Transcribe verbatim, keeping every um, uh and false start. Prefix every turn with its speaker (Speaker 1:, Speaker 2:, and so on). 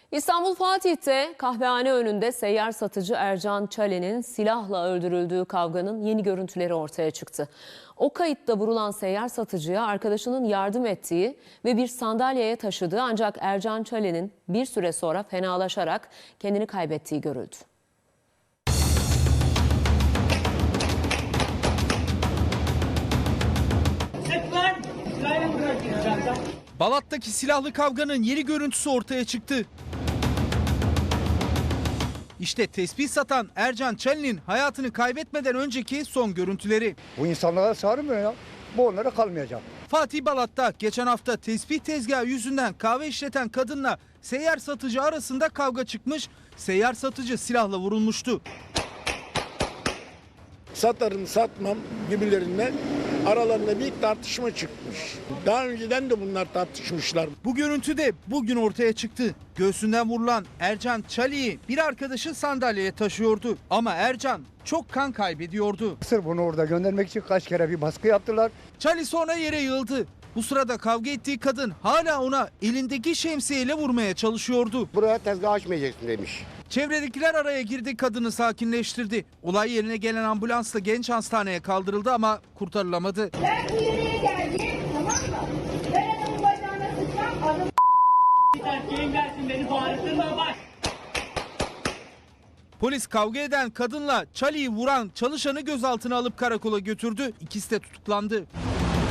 Speaker 1: İstanbul Fatih'te kahvehane önünde seyyar satıcı Ercan Çalen'in silahla öldürüldüğü kavganın yeni görüntüleri ortaya çıktı. O kayıtta vurulan seyyar satıcıya arkadaşının yardım ettiği ve bir sandalyeye taşıdığı ancak Ercan Çalen'in bir süre sonra fenalaşarak kendini kaybettiği görüldü.
Speaker 2: Balat'taki silahlı kavganın yeni görüntüsü ortaya çıktı. İşte tespih satan Ercan Çalen'in hayatını kaybetmeden önceki son görüntüleri.
Speaker 3: Bu insanlara sarmıyor ya. Bu onlara kalmayacak.
Speaker 2: Fatih Balat'ta geçen hafta tespih tezgahı yüzünden kahve işleten kadınla seyyar satıcı arasında kavga çıkmış. Seyyar satıcı silahla vurulmuştu.
Speaker 4: Satarım satmam gibilerinden aralarında bir tartışma çıkmış. Daha önceden de bunlar tartışmışlar.
Speaker 2: Bu görüntü de bugün ortaya çıktı. Göğsünden vurulan Ercan Çalen'i bir arkadaşı sandalyeye taşıyordu. Ama Ercan çok kan kaybediyordu.
Speaker 3: Sırf bunu orada göndermek için kaç kere bir baskı yaptılar.
Speaker 2: Çalen sonra yere yığıldı. Bu sırada kavga ettiği kadın hala ona elindeki şemsiyeyle vurmaya çalışıyordu.
Speaker 5: Buraya tezgah açmayacaksın demiş.
Speaker 2: Çevredekiler araya girdi, kadını sakinleştirdi. Olay yerine gelen ambulansla genç hastaneye kaldırıldı ama kurtarılamadı.
Speaker 6: Ben bu yere geldim, tamam mı? Ben adamın bacağına sıçram, adam...
Speaker 7: Erkeğin gelsin, beni bağırtırma bak.
Speaker 2: Polis kavga eden kadınla Çalen'i vuran çalışanı gözaltına alıp karakola götürdü. İkisi de tutuklandı.